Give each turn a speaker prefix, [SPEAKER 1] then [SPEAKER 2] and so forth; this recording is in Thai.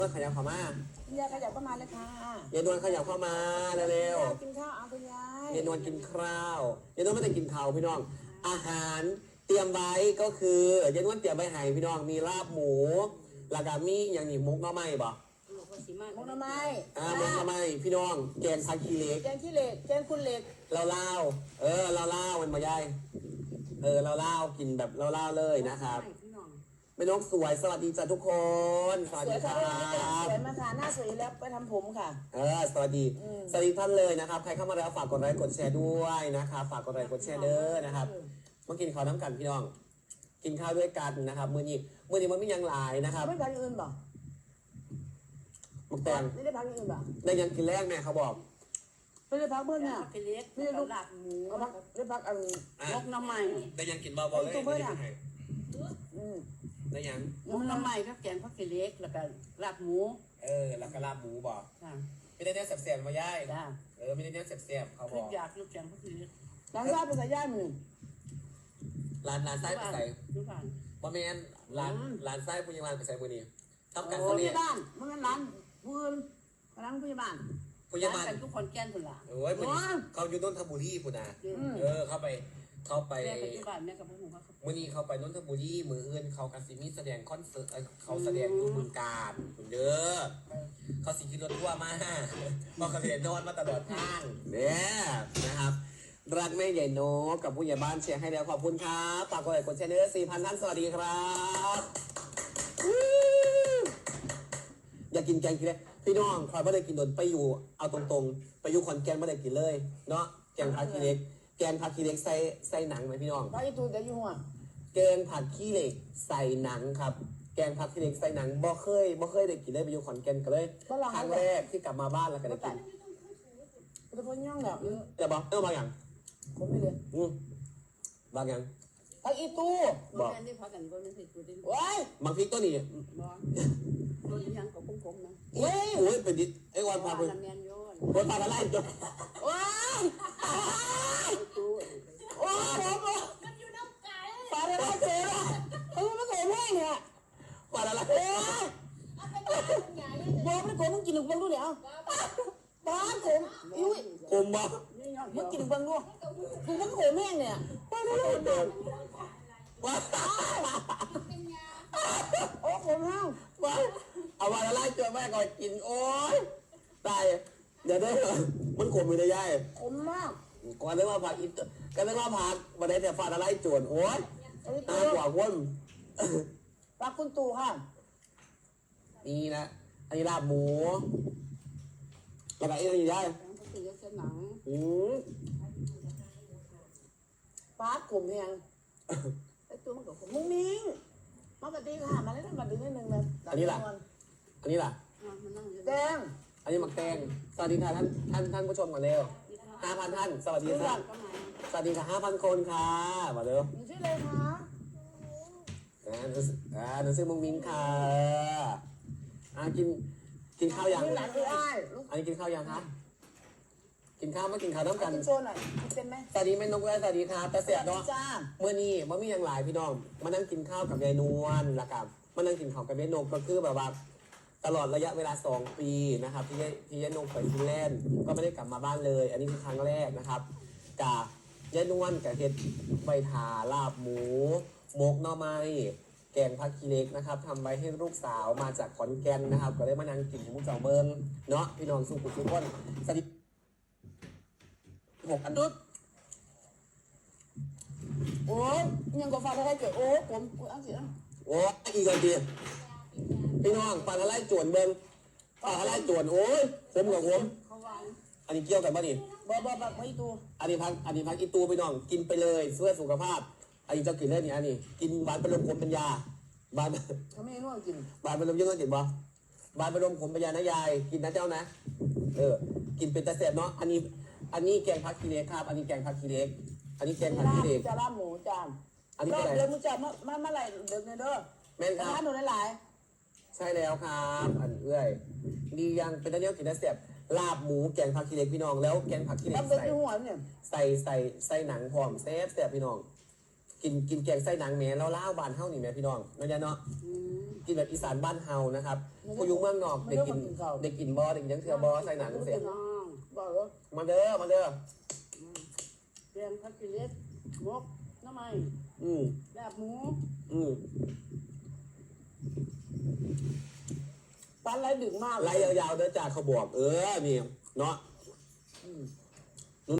[SPEAKER 1] ก็ขยับเข้ามา
[SPEAKER 2] คุณยายขยับเข้ามาเลยค่ะ
[SPEAKER 1] ยายนวลขยับเข้ามาเร็ว
[SPEAKER 2] กินข้าวเอาคุณยาย
[SPEAKER 1] ยายนวลกินข้าวยายนวลไม่ได้กินข้าวพี่น้องอาหารเตรียมไว้ก็คือยายนวลเตรียมไว้ให้พี่น้องมีลาบหมูแล้วก็มีอย่างนี้มุกหน่อไม้บ่
[SPEAKER 2] มุกหน่อไม้
[SPEAKER 1] มุกหน่อไม้พี่น้องแกงผักขี้เหล็ก
[SPEAKER 2] แกงขี้เหล็กแกงคุณเหล็ก
[SPEAKER 1] เราเล่ามันมายายเราเล่ากินแบบเราเล่าเลยนะครับแม่นกสวยสวัสดีจ้ะทุกคนสวัสดีครับ
[SPEAKER 2] สวยมาค่ะหน้าสวยแล้วไปทำผมค่ะ
[SPEAKER 1] สวัสดีท่านเลยนะครับใครเข้ามาแล้วฝากกดไลค์กดแชร์ด้วยนะครับฝากกดไลค์กดแชร์เด้อนะครับมากินข้าวน้ำกันพี่น้องกินข้าวด้วยกันนะครับมื้อนี้มันไม่ยังหลายนะครับ
[SPEAKER 2] ไม่พักอื่นบ่
[SPEAKER 1] มักแตง
[SPEAKER 2] ไม่ได้พักอื่นบ่
[SPEAKER 1] ได้ยังกินแรกแม่เขาบอก
[SPEAKER 2] ไม่ได้พักเพื่อนเนี่ย
[SPEAKER 3] ไม่ได้ลูกหลักหมู
[SPEAKER 2] ได้พักอะไร
[SPEAKER 3] มกน้ำใหม่
[SPEAKER 1] ได้ยังกินเบาๆเลยได้ยัง
[SPEAKER 3] มกน้ำใหม่ก็แกงผักขี้เหล็กแล้วก็ลาบหมู
[SPEAKER 1] แล้วก็ลาบหมูบอกไม่ได้เนื้อแซ่บๆมาย่ายไม่ได้เนื้อแซ่บๆเขาบอก
[SPEAKER 3] อยากลูกแกงผักขี้เหล็ก
[SPEAKER 2] ร้านไส้ไปใส่ย่ายมือ
[SPEAKER 1] ร้านไส้ไปใส่บะเมนร้านไส้ปุญญาบาลไปใส่บุนีทำกัน
[SPEAKER 2] คนนี้บ้านมันเป็นร้านพื้นร้านปุญญาบาล
[SPEAKER 3] กันทุกคนแก้นคนละ
[SPEAKER 1] เขาอยู่นนทบุรีปุ่นนะเข้าไป
[SPEAKER 3] แม่ปัจจุบันแม่กับพ่อหนูเขา
[SPEAKER 1] มื่อนี้เขาไปนนทบุรีมืออื่นเขากสิมีแสดงคอนเสิร์ตเขาแสดงอยู่บึงกาฬคุณเด้อเขาสิขี่รถทั่วมาบอกเขาเรียนนอนมาตลอดทางเนี่ยนะครับรักแม่ใหญ่โนกับผู้ใหญ่บ้านเชียร์ให้แล้วขอบคุณครับฝากกดไลค์กดแชร์เด้อ 4,000 ท่านสวัสดีครับอยากกินแกงกินเลยพี่น้องคอยไม่ได้กินโดนไปอยู่เอาตรงๆไปอยู่ขอนแก่นไม่ได้กินเลยเนาะแกงผักขี้เหล็กแกงผักขี้เหล็กใส่หนังไหมพี่น้อง
[SPEAKER 2] ไปตูเดี๋ยวอยู่หัว
[SPEAKER 1] แกงผักขี้เหล็กใส่หนังครับแกงผักขี้เหล็กใส่หนังบ่เคยได้กินเลยไปอยู่ขอนแก่นกันเลยครั้งแรกที่กลับมาบ้านแล้วก็ได้กิน
[SPEAKER 2] จะพ้นย่องแบบ
[SPEAKER 1] จะบอกบางอย่าง
[SPEAKER 2] ผมไม่เรียน
[SPEAKER 1] บางอย่าง
[SPEAKER 2] ผักอีตู้
[SPEAKER 3] บอกได้พักกันก็ไม่ใช่ตัวเดียว
[SPEAKER 2] ว้าย
[SPEAKER 1] บางพริกตัวนี้
[SPEAKER 3] ตัวยังกับคมๆนะ
[SPEAKER 1] โอ้ยเป็นดิไอ้วันพาไปวันพาอะไรตัว
[SPEAKER 2] ว้ายโอ้ผมมันอยู่น้ำไก่ปลาอะไรเจ๊อะมันโกงแห้งเนี่ย
[SPEAKER 1] ปลาอะไร
[SPEAKER 2] บอกมันโกงมึงกินหนึ่งวันรู้เนี่ยปลาโกงอุ้ย
[SPEAKER 1] คมบ่
[SPEAKER 2] มึงกินหนึ่งวันรู้คือมันโกงแห้งเนี่ยปลาอะไร
[SPEAKER 1] ว้า
[SPEAKER 2] โอ้โหห้าว
[SPEAKER 1] ว้าเอาปลาอะไรเจอแม่ก่อนกินโอ้ยตายเดี๋ยวได้มันขมอยู่ในย่าย
[SPEAKER 2] ขมมาก
[SPEAKER 1] ก่อนเรียกว่าผักอีกก็เรียกว่าผักมาได้แต่ฟาดอะไรจวนโอ้ยน่ากว่าวน
[SPEAKER 2] ปลาคุณตู่ค่ะ
[SPEAKER 1] นี่นะอันนี้ลาบหมูแล้วก็อันนี้ได้
[SPEAKER 2] ปลากลุ่มยังไอ้ตัวมันกับมุ้งมิ้งมาปฏิค่ะมาเล่นมาดึงนิดนึงเลย
[SPEAKER 1] อันนี้ล่ะ
[SPEAKER 2] แดง
[SPEAKER 1] อันนี้หมักแตงสวัสดีค่ะท่านผู้ชมก่อนเร็ว5,000 ท่านสวัสดีครับสวัสดีค่ะ 5,000 คนค่ะมาเร็ว
[SPEAKER 2] ชื่ออะไรคะ
[SPEAKER 1] หนูชื่อมุ้งมิ้งค่ะกินข้าวยังอันนี้กินข้าวยังคะกินข้าวไม่กินข้าวต้องกัน
[SPEAKER 2] โชว์หน่อยเป็นไหม
[SPEAKER 1] สวัสดีแม่นกและสวัสดีครับแต่เสียเนาะเมื่อนี้มันมีอย่างหลายพี่น้องมานั่งกินข้าวกับยายนวลละกับมานั่งกินข้าวกับยายนกก็คือแบบว่าตลอดระยะเวลา2 ปีนะครับที่ยายนกไปฟินแลนด์ก็ไม่ได้กลับมาบ้านเลยอันนี้คือครั้งแรกนะครับกับยายนวลกับเห็ดใบถาลาบหมูมกหน่อไม้แกงผักขี้เหล็กนะครับทำไว้ให้ลูกสาวมาจากขอนแก่นนะครับก็ได้มานั่งกินหมูจ่อเบิ้งเนาะพี่น้องสุขุมทุกคนสวัสดี6 อันดุด
[SPEAKER 2] โอ้ยยังก็ฟังได้เกิดโอ้ผมอันเสีย
[SPEAKER 1] โอ้อีกอันเดียวพี่น้องปลาอะไรจวนเบิ้งปลาอะไรจวนโอ้ยผมกับผมอันนี้เกี่ยวกันป่ะนี่
[SPEAKER 2] บ่ไม่ตู
[SPEAKER 1] อันนี้พักอีตูพี่น้องกินไปเลยเพื่อสุขภาพอันนี้จะกินเล่นนี่อันนี้กินบานเป็นลมขมเป็นยาบาน
[SPEAKER 2] เขาไม่รู้กิน
[SPEAKER 1] บานเป็นลมยังไงกินบ่บานเป็นลมขมเป็นยานะยายกินนะเจ้านะกินเป็นตะเสบเนาะอันนี้แกงผักขี้เหล็กครับอันนี้แกงผักขี้เหล็กอันนี้แกงผักขี้เหล็ก
[SPEAKER 2] จะลาบหมูจาน
[SPEAKER 1] อันนี้อะไร
[SPEAKER 2] เดี๋ยวมึงจะมาอะไรเดี๋ยวเด้อ
[SPEAKER 1] แม่นครับ
[SPEAKER 2] หนูหลาย
[SPEAKER 1] ใช่แล้วครับอันดียังเป็นตะเนียวกินตะเสบลาบหมูแกงผักขี้เหล็กพี่น้องแล้วแกงผักขี้เหล็กใส่หนังพร้อมแซ่บพี่น้องกินแกงไส้หนังแหม่แล้วล่าวบ้านเฮานี่แหม่พี่น้องเนาะยะเนาะกินแบบอีสานบ้านเฮานะครับผู้อยู่เมืองนอกได้กินบ่ได้กินยังเทื่อบ่ใส่หนังเสีย
[SPEAKER 3] น้อง
[SPEAKER 2] บอกว่า
[SPEAKER 1] มาเด้อมาเด้อ
[SPEAKER 3] เรียงผักกิเลสมกน้ำไม้
[SPEAKER 1] อืม
[SPEAKER 3] แบบหมู
[SPEAKER 1] อืม
[SPEAKER 2] ปันไรดึกมาก
[SPEAKER 1] ไล่ยาวๆเด้อจ้าเขาบอกนี่เนาะ